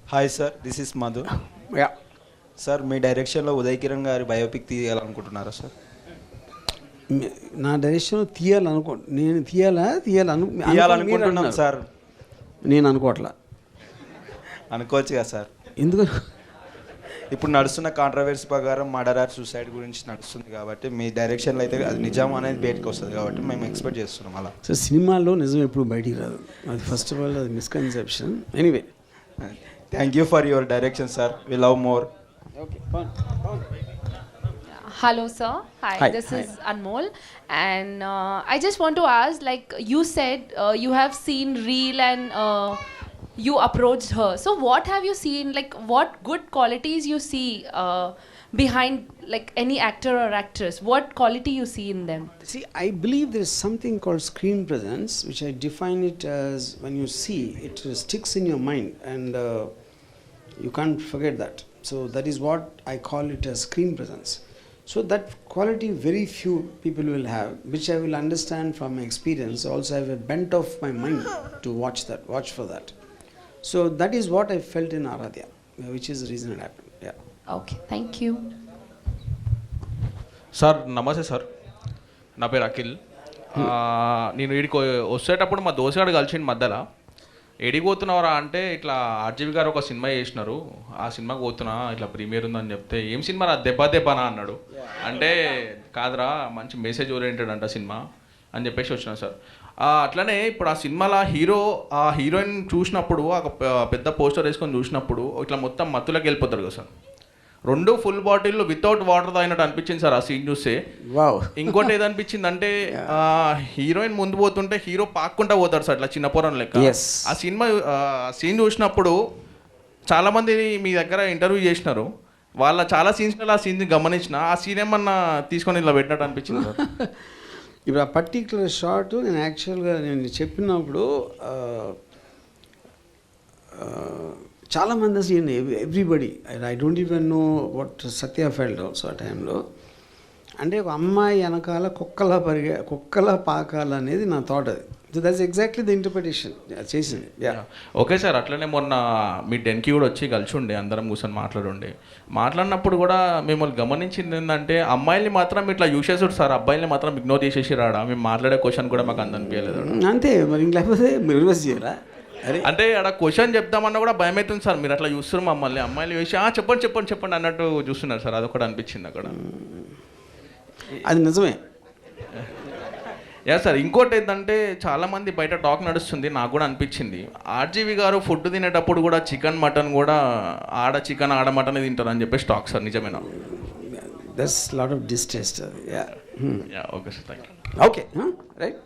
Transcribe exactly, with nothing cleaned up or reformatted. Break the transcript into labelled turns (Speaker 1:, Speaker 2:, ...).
Speaker 1: Hi sir, this is Madhu.
Speaker 2: Yeah
Speaker 1: sir, మీ డైరెక్షన్లో ఉదయ్ కిరణ్ గారి బయోపిక్ తీయాలనుకుంటున్నారా సార్?
Speaker 2: నా డైరెక్షన్ తీయాలనుకో నేను తీయాలా తీయాలను
Speaker 1: తీయాలనుకుంటున్నాం సార్.
Speaker 2: నేను అనుకోవట్లా.
Speaker 1: అనుకోవచ్చు కదా సార్.
Speaker 2: ఎందుకు?
Speaker 1: ఇప్పుడు నడుస్తున్న కాంట్రవర్సీ ప్రకారం మర్డర్ ఆర్ సూసైడ్ గురించి నడుస్తుంది కాబట్టి మీ డైరెక్షన్లో అయితే అది నిజం అనేది బయటకు వస్తుంది కాబట్టి మేము ఎక్స్పెక్ట్ చేస్తున్నాం అలా.
Speaker 2: సో సినిమాల్లో నిజం ఎప్పుడు బయటికి రాదు, అది ఫస్ట్ ఆఫ్ ఆల్ అది misconception. Anyway,
Speaker 1: thank you for your direction sir, we love more.
Speaker 2: Okay.
Speaker 3: Hello, sir. Hi,
Speaker 2: Hi,
Speaker 3: this
Speaker 2: hi.
Speaker 3: is Anmol, and uh, I just want to ask, like you said, uh, you have seen Reel and uh, you approached her. So, what have you seen? Like, what good qualities you see uh, behind, like any actor or actress? What quality you see in them?
Speaker 2: See, I believe there is something called screen presence, which I define it as when you see, it sticks in your mind and uh, you can't forget that. So, that is what I call it as screen presence. So, that quality very few people will have, which I will understand from my experience. Also, I have a bent of my mind to watch that, watch for that. So, that is what I felt in Aradhya, which is the reason it happened. Yeah.
Speaker 3: Okay, thank you.
Speaker 4: Sir నమస్తే sir, నా పేరు అఖిల్. ఆ, నేను వీడికి వచ్చేటప్పుడు మా దోశగాడు కలిసిండు మధ్యలో. ఎడికి పోతున్నావురా అంటే ఇట్లా ఆర్జీవి గారు ఒక సినిమా చేసినారు, ఆ సినిమాకి పోతున్నా, ఇట్లా ప్రీమియర్ ఉందని చెప్తే ఏం సినిమా రా దెబ్బ దెబ్బనా అన్నాడు. అంటే కాదురా మంచి మెసేజ్ ఓరియంటెడ్ అంట సినిమా అని చెప్పేసి వచ్చినా సార్. అట్లనే ఇప్పుడు ఆ సినిమాలో హీరో ఆ హీరోయిన్ చూసినప్పుడు ఒక పెద్ద పోస్టర్ వేసుకొని చూసినప్పుడు ఇట్లా మొత్తం మత్తులోకి వెళ్ళిపోతారు కదా సార్. రెండు ఫుల్ బాటిల్ వితౌట్ వాటర్ తాగినట్టు అనిపించింది సార్ ఆ సీన్ చూస్తే.
Speaker 2: వావ్.
Speaker 4: ఇంకోటి ఏదనిపించింది అంటే హీరోయిన్ ముందు పోతుంటే హీరో పాక్కుంటా పోతాడు సార్ ఇట్లా చిన్న పొరం లెక్క.
Speaker 2: Yes.
Speaker 4: ఆ సినిమా సీన్ చూసినప్పుడు చాలా మంది మీ దగ్గర ఇంటర్వ్యూ చేసినారు, వాళ్ళ చాలా సీన్స్లో ఆ సీన్ గమనించిన ఆ సీన్ ఏమన్నా తీసుకొని ఇలా పెట్టినట్టు అనిపించింది సార్.
Speaker 2: ఇప్పుడు ఆ పర్టిక్యులర్ షాట్ నేను యాక్చువల్గా నేను చెప్పినప్పుడు చాలామంది అసలు everybody I don't even know what Satya felt also ఆ టైంలో. అంటే ఒక అమ్మాయి వెనకాల కుక్కలా పరిగే కుక్కలా పాకాలనేది నా థాట్. అది so that's exactly the interpretation చేసింది.
Speaker 4: ఓకే సార్, అట్లనే మొన్న మీ డెన్కి కూడా వచ్చి కలిసి ఉండే, అందరం కూర్చొని మాట్లాడుండే. మాట్లాడినప్పుడు కూడా మిమ్మల్ని గమనించింది ఏంటంటే అమ్మాయిల్ని మాత్రం ఇట్లా యూస్ చేసాడు సార్, అబ్బాయిల్ని మాత్రం ఇగ్నోర్ చేసేసి రాడా. మేము మాట్లాడే క్వశ్చన్ కూడా మాకు అంత అనిపించలేదు.
Speaker 2: అంతే మరి, ఇంక లేకపోతే రివర్స్ చేయాలా? అరే
Speaker 4: అంటే అక్కడ క్వశ్చన్ చెప్దామన్నా కూడా భయం అవుతుంది సార్, మీరు అట్లా చూస్తున్నారు మమ్మల్ని. అమ్మాయిలు వేసి చెప్పండి చెప్పండి చెప్పండి అన్నట్టు చూస్తున్నారు సార్, అదొకటి అనిపించింది అక్కడ.
Speaker 2: అది నిజమే.
Speaker 4: యా సార్, ఇంకోటి ఏంటంటే చాలామంది బయట టాక్ నడుస్తుంది, నాకు కూడా అనిపించింది ఆర్జీవి గారు ఫుడ్ తినేటప్పుడు కూడా చికెన్ మటన్ కూడా ఆడ చికెన్ ఆడ మటన్ తింటారు అని చెప్పేసి టాక్ సార్, నిజమేనా?
Speaker 2: That's lot of distaste. అది yeah
Speaker 4: yeah okay sir, thank you.
Speaker 2: Okay right.